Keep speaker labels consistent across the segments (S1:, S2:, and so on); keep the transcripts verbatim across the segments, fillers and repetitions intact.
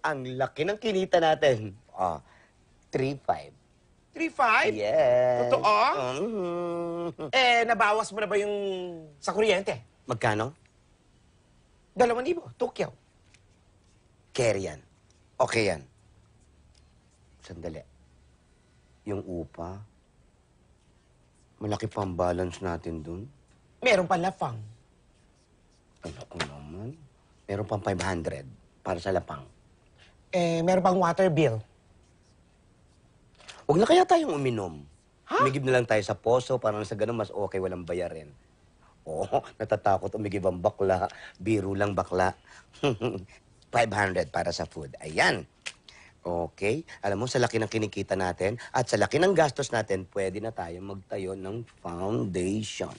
S1: Ang laki ng kinita natin. Ah, three five.
S2: three five?
S1: Yes.
S2: Totoo?
S1: Mhm.
S2: Eh, nabawas mo na ba yung sa kuryente?
S1: Magkano?
S2: Dalawang libo, Tokyo.
S1: Carry yan. Okay yan. Sandali. Yung upa, malaki pa ang balance natin dun.
S2: Meron pa lapang.
S1: Ano ko naman? Meron pang five hundred para sa lapang.
S2: Eh, meron pang water bill.
S1: Huwag na kaya tayong uminom.
S2: Ha?
S1: Umigib na lang tayo sa poso, parang sa ganun mas okay, walang bayarin. Oo, natatakot umigib ang bakla. Biro lang bakla. five hundred para sa food. Ayan. Okay. Alam mo, sa laki ng kinikita natin at sa laki ng gastos natin, pwede na tayo magtayo ng foundation.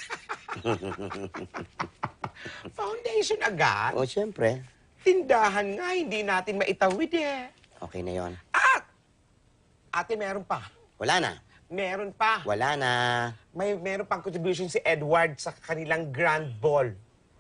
S2: Foundation agad?
S1: O, siyempre.
S2: Tindahan nga, hindi natin maitawid eh.
S1: Okay na yon.
S2: At, ate, meron pa.
S1: Wala na.
S2: Meron pa.
S1: Wala na.
S2: May meron pang contribution si Edward sa kanilang grand ball.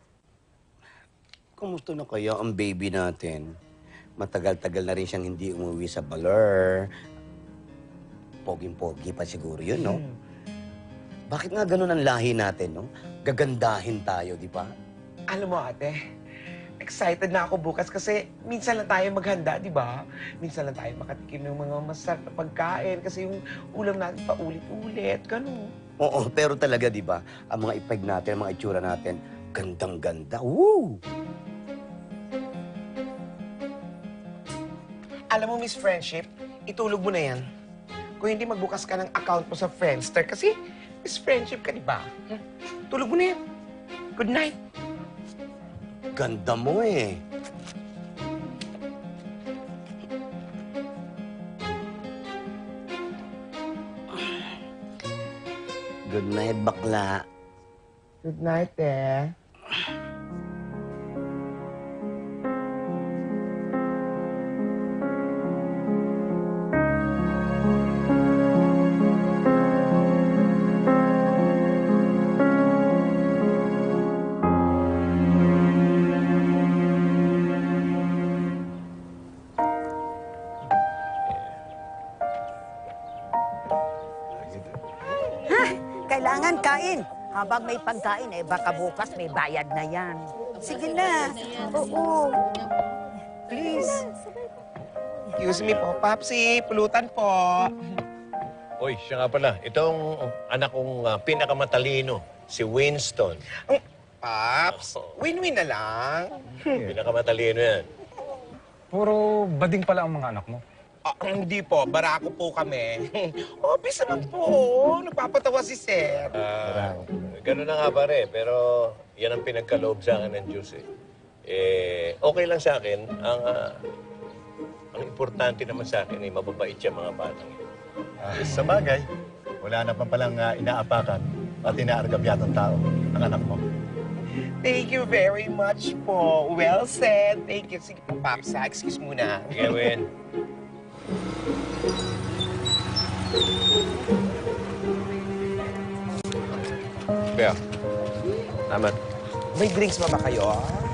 S1: Kumusta na kaya ang baby natin? Matagal-tagal na rin siyang hindi umuwi sa Baler. Poging-pogi pa siguro yun, no?
S2: Hmm.
S1: Bakit nga ganun ang lahi natin, no? Gagandahin tayo, di ba?
S2: Alam mo, ate, excited na ako bukas kasi minsan lang tayo maghanda, di ba? Minsan lang tayo makatikim ng mga masarap na pagkain kasi yung ulam natin paulit-ulit, gano'n.
S1: Oo, pero talaga, di ba? Ang mga ipeg natin, ang mga itsura natin, gandang-ganda. Woo!
S2: Alam mo, Miss Friendship, itulog mo na yan. Kung hindi magbukas ka ng account mo sa Friendster kasi Miss Friendship ka, di ba? Hmm? Tulog mo na yan. Good night.
S1: Ganda mo eh. Good night, bakla.
S2: Good night, eh.
S3: Kailangan kain. Habang may pagkain, eh baka bukas may bayad na yan. Sige na. Oo. Please.
S2: Excuse me po, Papsi. Pulutan po.
S4: Uy, siya nga pala. Itong anak kong ah, pinakamatalino, si Winston.
S2: Ang- Paps, win-win na lang.
S4: Pinakamatalino yan.
S5: Puro bading pala ang mga anak mo.
S2: Ah, hindi po, barako po kami. Obvious naman po. Nagpapatawa si Sir.
S4: Ah, ganun na nga pare, pero yan ang pinagkaloob sa akin ng Diyos eh. Eh, okay lang sa akin. Ang, ah, ang importante naman sa akin ay mababait siya mga batang yun.
S6: Ah, sa bagay, wala na pa palang uh, inaapakan at inaargabyatang tao ang anak mo.
S2: Thank you very much po. Well said. Thank you. Sige po, Paps. ha. Excuse muna.
S4: Sige, Win. Kaya, salamat.
S2: May drinks ba ba kayo?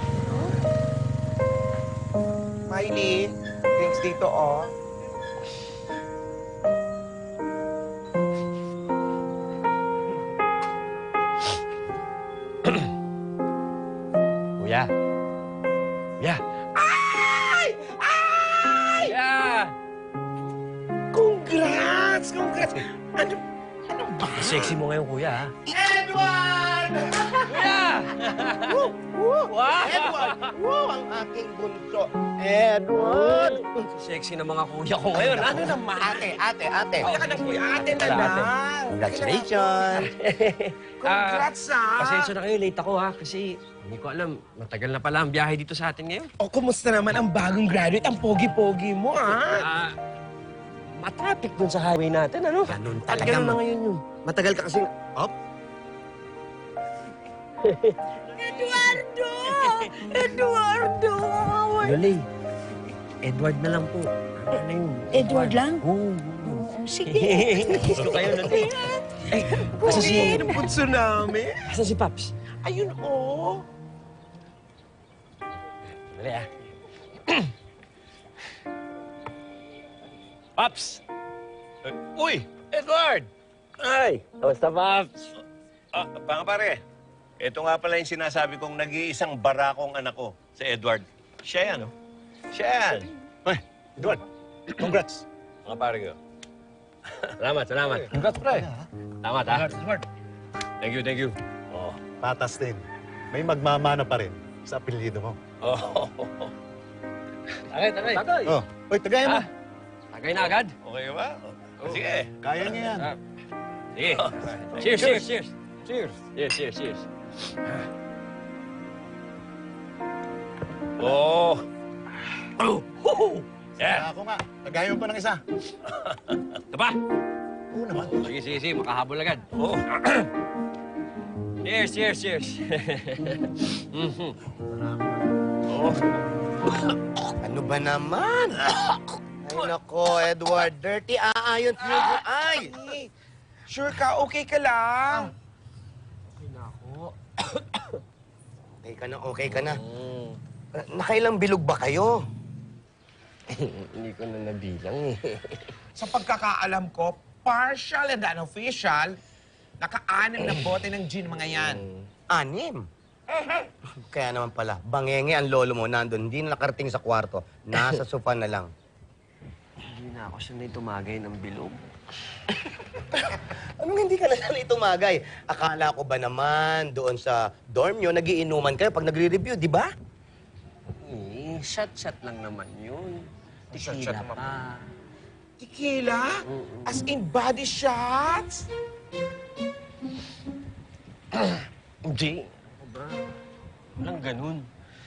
S2: Miley, drinks dito, oh.
S7: Kuya. Kuya.
S2: Ay! Ay!
S7: Kuya!
S2: Congrats! Congrats! Ano? Ano ba?
S7: Sexy mo ngayon, kuya, ha?
S2: Edward!
S7: Kuya!
S2: Woo! Woo!
S7: Wow!
S2: Edward! Woo! Ang aking bunso. Edward!
S7: Sexy na mga kuya ko ngayon, ha?
S2: Ano naman? Ate, ate, ate. Kaya ka na kuya. Ate na
S7: Wala, ate.
S2: lang.
S1: Congratulations!
S2: Congrats, ha?
S7: Pasensya na kayo, late ako, ha? Kasi hindi ko alam, matagal na pala ang biyahe dito sa atin ngayon.
S2: O, kumusta naman ang bagong graduate? Ang pogi-pogi mo, ha?
S7: Ah, matraffic dun sa highway natin, ano?
S1: Ganun
S7: At
S1: talaga.
S7: ganun na
S1: ma-
S7: ngayon yun.
S1: Matagal ka kasing... Op!
S3: Eduardo! Eduardo!
S7: Loli, Edward na lang po. Ano yun?
S3: Edward lang?
S7: Oo.
S3: Sige.
S7: Gusto kayo, Loli. Ay, asa si...
S2: Pogi ng bunso namin.
S7: Asa si Paps?
S2: Ayun, oh.
S7: Dali, ah.
S4: Paps! Eh, Uy! Edward! Ay!
S7: Kamusta, Paps?
S4: Ah, mga pare, ito nga pala yung sinasabi kong nag-iisang barakong anak ko, si Edward. Siya yan, oh. Siya yan.
S6: Ay, Edward, congrats.
S4: Mga pare ko.
S7: Salamat, salamat.
S5: Congrats, pre.
S7: Salamat, ha?
S5: Edward.
S4: Thank you, thank you.
S6: Oh, patas din. May magmamana pa rin sa apelyido mo.
S4: Oh,
S7: Tagay, tagay. Tagay.
S6: Oh, oy, tagayan mo.
S7: Ah, tagay na agad.
S4: okay ba? Oh, sige.
S6: Kaya niya yan.
S7: Ah, sige. Cheers, cheers, cheers. Cheers. Cheers, cheers, cheers.
S4: Oh! Oh! Ho-ho!
S6: Kaya
S4: Yeah!
S6: ako nga, tagayan mo pa ng isa.
S4: Ito pa?
S6: Oo naman.
S7: Sige, sige, sige. Makahabol agad.
S4: Oh!
S7: Cheers, cheers, cheers. Mhm.
S4: Oh!
S1: Ano ba naman? Ay, nako, Edward. Dirty aayon tiyugo. Ay!
S2: Sure ka? Okay ka lang?
S7: Okay na ako.
S1: Okay ka na, okay ka na.
S7: Mm.
S1: Uh, Nakailang bilog ba kayo?
S7: Hindi ko na nabilang eh.
S2: Sa pagkakaalam ko, partial and unofficial, naka-anim na bote ng gin mga yan.
S1: Anim. Kaya naman pala, bangenge ang lolo mo nandun, hindi na nakarating sa kwarto. Nasa sofa na lang.
S7: Hindi na ako sanay tumagay ng bilog.
S1: Anong hindi ka na sanay tumagay? Akala ko ba naman doon sa dorm nyo, nagiinuman kayo pag nagre-review, di ba?
S7: Eh, shot-shot lang naman yun.
S2: Shot-shot
S7: Tequila
S2: naman.
S7: pa.
S2: Tequila? As in body shots?
S7: Hindi. Ano ba? Walang ganun.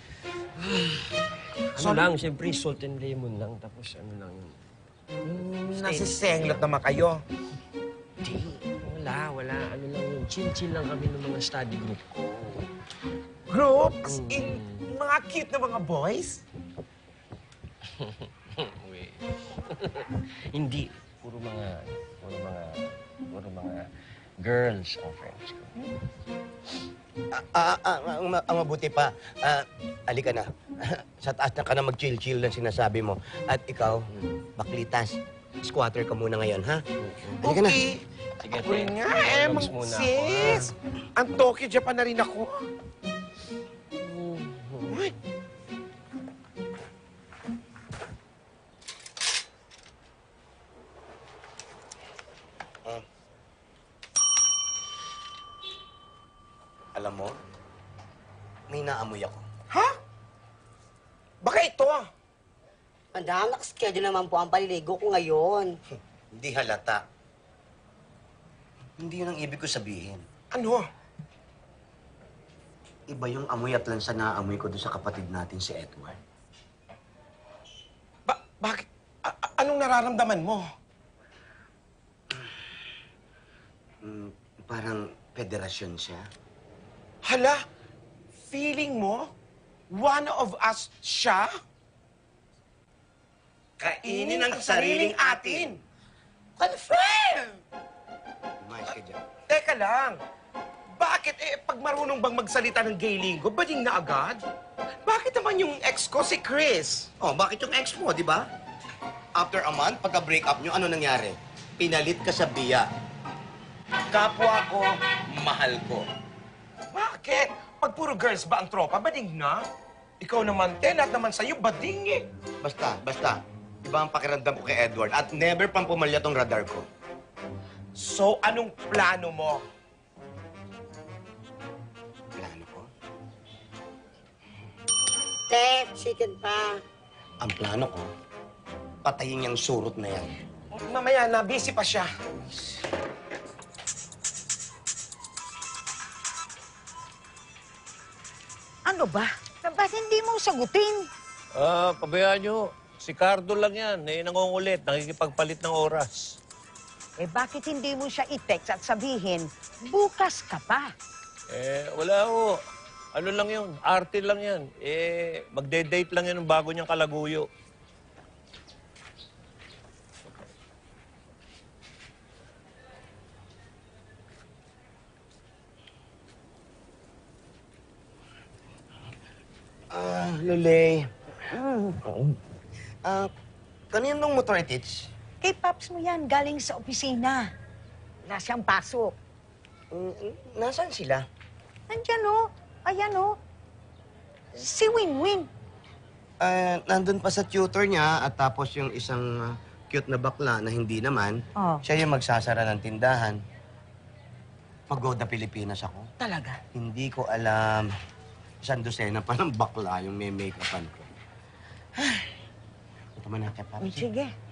S7: ano
S2: So,
S7: lang, siyempre salt and lemon lang. Tapos ano lang.
S2: Mm, nasisenglot naman kayo.
S7: Hindi. Wala, wala. Ano lang yun. Chill-chill lang kami ng mga study group ko.
S2: Group? As in, mga cute na mga boys?
S7: Wait. Hindi. Puro mga, puro mga, puro mga girls ang friends ko.
S1: Ah, ah, ah, ang, ma- ang mabuti pa, ah, alika na. Sa taas na ka na mag-chill-chill ng sinasabi mo. At ikaw, baklitas, squatter ka muna ngayon, ha? Halika na.
S2: Okay.
S7: Sige,
S2: Ako rin
S7: te.
S2: nga, eh,
S7: Relax
S2: mang
S7: muna ako,
S2: sis. Ang Tokyo Japan na rin ako. Uy,
S1: Alam mo, may naamoy ako.
S2: ha? Baka ito ah.
S8: Madam, nakaschedule naman po ang paliligo ko ngayon.
S1: Hindi halata. Hindi yun ang ibig ko sabihin.
S2: Ano?
S1: Iba yung amoy at lansa na amoy ko doon sa kapatid natin si Edward.
S2: Ba bakit? A- a- anong nararamdaman mo?
S1: Mm, parang federasyon siya.
S2: Hala, feeling mo, one of us siya?
S1: Kainin ang sariling atin.
S2: Confirm!
S1: Umayos ka dyan.
S2: Teka lang, bakit eh, pag marunong bang magsalita ng gay lingo, bading na agad? Bakit naman yung ex ko si Chris?
S1: Oh, bakit yung ex mo, di ba? After a month, pagka-break up nyo, ano nangyari? Pinalit ka sa biya. Kapwa ko, mahal ko.
S2: Bakit? Pag puro girls ba ang tropa, bading na? Ikaw naman, te, lahat naman sa'yo, bading eh.
S1: Basta, basta. Iba ang pakiramdam ko kay Edward at never pang pumalya tong radar ko.
S2: So, anong plano mo?
S1: Plano ko?
S8: Te, chicken pa.
S1: Ang plano ko, patayin niyang surot na yan.
S2: Mamaya na, busy pa siya.
S3: Ano ba? Ba't hindi mo sagutin?
S4: Ah, pabayaan nyo. Si Cardo lang yan. Eh, nangungulit. Nakikipagpalit ng oras.
S3: Eh bakit hindi mo siya i-text at sabihin, bukas ka pa?
S4: Eh, wala ho. Ano lang yun? Arte lang yan. Eh, magde-date lang yan ng bago niyang kalaguyo.
S1: Ah, Lulay. Ah, kaninong motor itich?
S3: Kay Paps mo yan, galing sa opisina. Wala siyang pasok.
S1: Mm, mm, nasaan sila?
S3: Nandyan o. Ayan o. Si Winwin.
S1: Eh, nandun pa sa tutor niya at tapos yung isang ah, cute na bakla na hindi naman,
S3: Oh.
S1: siya yung magsasara ng tindahan. Mag-go the Pilipinas ako.
S3: Talaga?
S1: Hindi ko alam. Isang dosena pa ng bakla yung may make-upan ko. Ito man na kay Paps.
S3: Sige.